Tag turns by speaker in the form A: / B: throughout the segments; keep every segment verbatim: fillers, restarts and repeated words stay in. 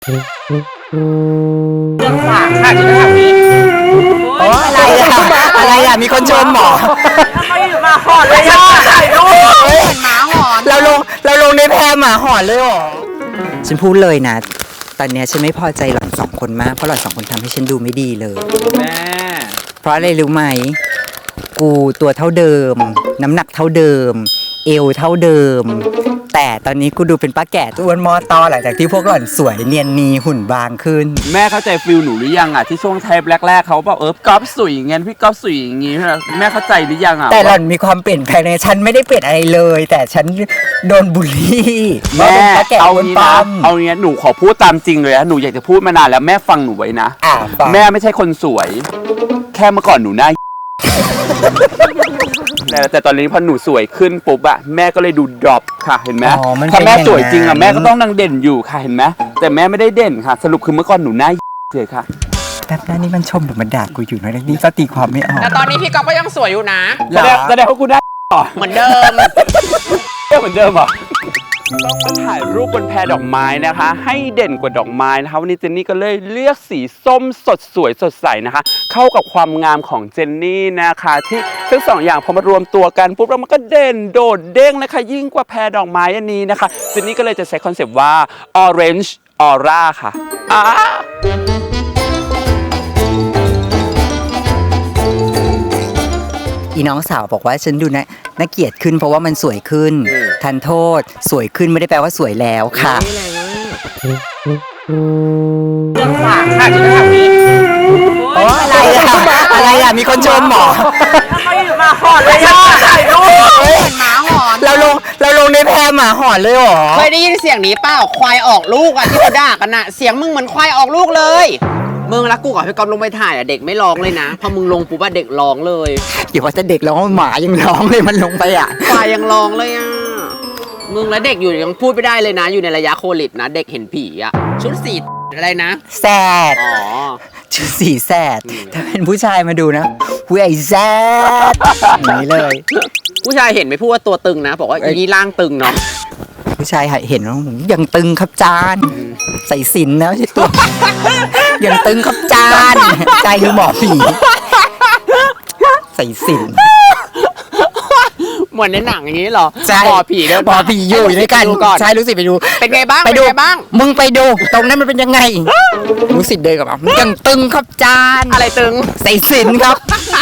A: เรื่องฝากค่ะที่ทำนี้โอ้อะไรอะอะไรอะมีคนชมหมอเขาอยู่มาหอนเลยอ่ะถ่ายรูปหมาหอนเราลงเราลงในแพร่หมาหอนเลยหรอฉันพูดเลยนะตอนนี้ฉันไม่พอใจหล่อนสองคนมากเพราะหล่อนสองคนทำให้ฉันดูไม่ดีเลยแม่เพราะอะไรรู้ไหมกูตัวเท่าเดิมน้ำหนักเท่าเดิมเอวเท่าเดิมแต่ตอนนี้กูดูเป็นป้าแก่ตัวอ้วนมอตอหลังจากที่พวกหล่อนสวยเนียนนีหุ่นบางขึ้น
B: แม่เข้าใจฟิลหนูหรือยังอ่ะที่ช่วงเทปแรกๆเขาบอกเออก๊อฟสวยอย่างเงี้ยพี่ก๊อฟสวยอย่างงี้แม่เข้าใจหรือยังอ่ะ
A: แต่หล่อนมีความเปลี่ยนแปลงในฉันไม่ได้เปลี่ยนอะไรเลยแต่ฉันโดนบูลลี่
B: แม่เอางี้นะเอางี้หนูขอพูดตามจริงเลยนะหนูอยากจะพูดมานานแล้วแม่ฟังหนูไว้นะแม่ไม่ใช่คนสวยแค่เมื่อก่อนหนูหน้าแต่ตอนนี้พอหนูสวยขึ้นปุ๊บอะแม่ก็เลยดูดรอปค่ะเห็นไหมถ้าแม่สวยจริงอะแม่ก็ต้องนั่งเด่นอยู่ค่ะเห็นไหมแต่แม่ไม่ได้เด่นค่ะสรุปคือเมื่อก่อนหนูหน้าเลยค่ะ
A: แต่หน้านี้มันชมหรือมันด่ากูอยู่นะนี่ก็ตีความไม่ออก
C: แต่ตอนนี้พี่ก๊อฟก็ยังสวยอยู่นะ
B: แสดงแสดงว่ากูได้
C: เหมือนเดิม
B: เหมือนเดิมเหรอต้องมาถ่ายรูปบนแพดอกไม้นะคะให้เด่นกว่าดอกไม้นะคะวันนี้เจนนี่ก็เลยเลือกสีส้มสดสวยสดใสนะคะเข้ากับความงามของเจนนี่นะคะที่ทั้งสองอย่างพอมารวมตัวกันปุ๊บแล้วมันก็เด่นโดดเด้งนะคะยิ่งกว่าแพดอกไม้อันนี้นะคะเจนนี่ก็เลยจะใช้คอนเซปต์ว่า orange aura ค่ะอ่า
A: อีน้องสาวบอกว่าฉันดูนะน่าเกลียดขึ้นเพราะว่ามันสวยขึ้นทันโทษสวยขึ้นไม่ได้แปลว่าสวยแล้วค่ะ
C: เรื่องฝากค่ะที่ทำนี้
A: โอ้อะไรอะอะไรอะมีคนชมหมอ
C: เขาอยู่มาหอนเลยอ่ะถ่ายรูปหมาหอน
A: เราลงเราลงในแพร่หมาหอนเลยหรอ
C: เคยได้ยินเสียงนี้เปล่าควายออกลูกอ่ะที่เขาด่ากันน่ะเสียงมึงเหมือนควายออกลูกเลยมึงรักกูกับพี่ก๊อฟลงไปถ่ายอ่ะเด็กไม่ร้องเลยนะพอมึงลงปุ๊บว่าเด็กร้องเลย
A: อย่าว่าจะเด็กร้องหมายังร้องเลยมันลงไปอ่ะ
C: ควายยังร้องเลยอ่ะมึงและเด็กอยู่ยังพูดไม่ได้เลยนะอยู่ในระยะโควิดนะเด็กเห็นผีอ่ะชุดสีอะไรนะ
A: แซด
C: อ๋อ
A: ชุดสีแซดถ้าเป็นผู้ชายมาดูนะผู้ใหญ่แซดอย่างนี้เลย
C: ผู้ชายเห็นไม่พูดว่าตัวตึงนะบอกว่าอีนี่ร่างตึงเนาะ
A: ผู้ชายเห็นว่ายังตึงครับจานใส่สินนะใช่ตัวยังตึงครับจานใจคือหมอผีใส่สิน
C: เหมือนในหนังอย่างนี้เหรอ
A: หมอผีเด้อหมอผีอยู่ด้วยกันใช่รู้สิไปดู
C: เป็นไงบ้าง
A: ไปดู
C: บ้าง
A: มึงไปดูตรงนั้นมันเป็นยังไงรู้สิเดินกับมันยังตึงครับจาน
C: อะไรตึง
A: ใส่สินครับ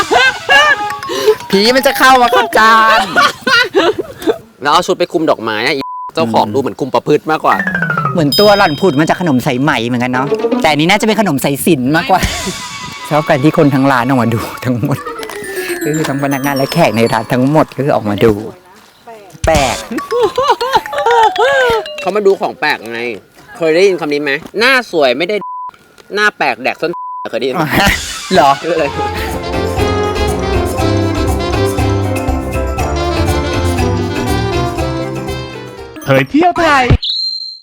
A: ผีมันจะเข้ามาครับจาน
C: แล้วเอาชุดไปคุมดอกไม้เจ้าของดูเหมือนคุมประพฤติมากกว่า
A: เหมือนตัวหล่อนผุดมันจะขนมใส่ไหมเหมือนกันเนาะแต่นี้น่าจะเป็นขนมใส่สินมากกว่าชอบกันที่คนทั้งร้านออกมาดูทั้งหมดก็คือทั้งพนักงานและแขกในร้านทั้งหมดก็คือออกมาดูแปลก
C: เขามาดูของแปลกไงเคยได้ยินคำนี้ไหมหน้าสวยไม่ได้หน้าแปลกแดกส้นเคยได้ยินไหม
A: หรอ
C: คืออะไร
D: เผยเที่ยวไทย